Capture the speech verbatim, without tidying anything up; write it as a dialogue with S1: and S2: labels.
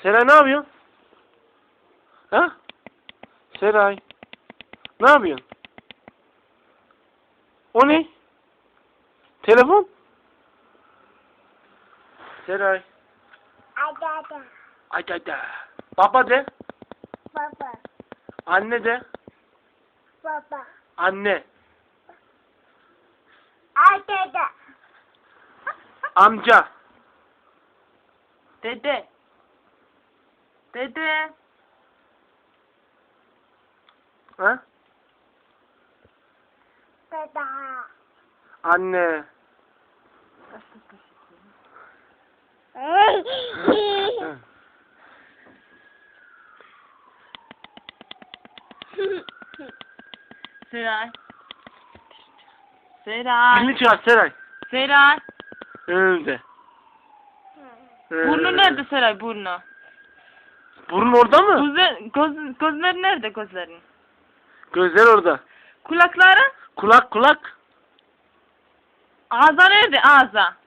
S1: Seray ne yapıyorsun? Ha? Seray. Ne yapıyorsun? O ne? Telefon? Seray.
S2: Ada ada.
S1: Ay ay ay. Baba de.
S2: Baba.
S1: Anne de.
S2: Baba.
S1: Anne.
S2: Ada ada.
S1: Amca.
S3: Dede. Dede.
S1: Ha?
S2: Dada.
S1: Anne.
S3: Seray. Seray.
S1: Dilini çıkar Seray.
S3: Seray.
S1: Önünde.
S3: Burnu nerede Seray burnu?
S1: Burun orada mı?
S3: Gözler, göz, gözleri nerede gözlerin?
S1: Gözler orada.
S3: Kulakları?
S1: Kulak kulak.
S3: Ağza nerede ağza?